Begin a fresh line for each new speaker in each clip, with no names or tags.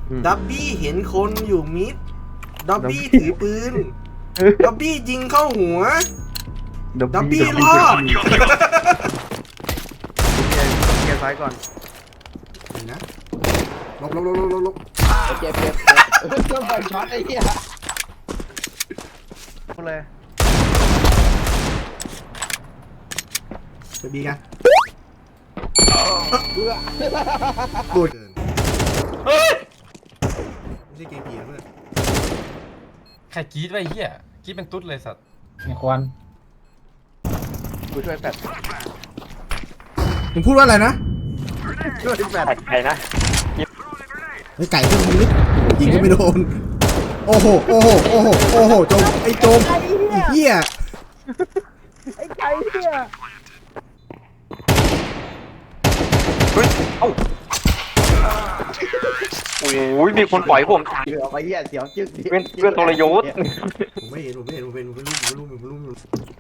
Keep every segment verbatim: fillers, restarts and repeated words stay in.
ดับบี้เห็นคนอยู่มิดดับบี้ถือปืนดับบี้ยิงเข้าหัวดับบี้รอด
เคลียร์ซ้ายก่อน
นี่นะลบลบลบลบลบลบ
เจ็บเจ็บเครื่องปั่นช็อตไอ้เหี้ย
พูดเลย
ไปบีกัน
เบื่อ
กูเกินเฮ้ยไม่ใช่เกมผีนะเพื่อน
ใครกรี๊ดไว้เหี้ยกรี๊ดเป็นตุ๊ดเลยสัตว์
ในควัน
กูช่วยแฟด
มึงพูดว่าอะไรนะ
ช่วยแฟด
ใครนะ
ไอ้ไก่เพิ่งยิงยิงก็ไม่โดนโอ้โหโอ้โหโอ้โหโอ้โหโจมไอ้โจมไอ้เหี้ย
ไอ้ไก่เหี้ย
โอ้ยมีคนปล่อยผมตาย
เบื่อไอ้เหี้ยเสียวจึ๊ก
เพื่อนเพื่อนทรยศ
ผมไม่เห็นผมไม่เห็นผมเป็นผมเป็นลูกผมเป็นลูกผมเป็นลูก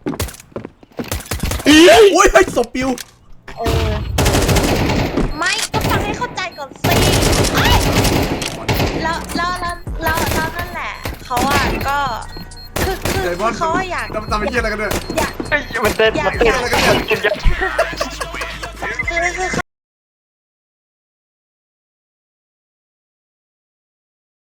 โอ้ยไอ้ศพปิว
เออไม่ก็ฟังให้เข้าใจก่อนสิเอ้ยแล้วแล้วแล้วแล้วแล้วนั่นแหละเขาอ่ะก็คือคือคือเขาอะอยาก
ทำทำไอ้เหี้ยอะไรกันเนี่ย
อยาก
มันเต้นมันเต้นมันเต้น
คือคือ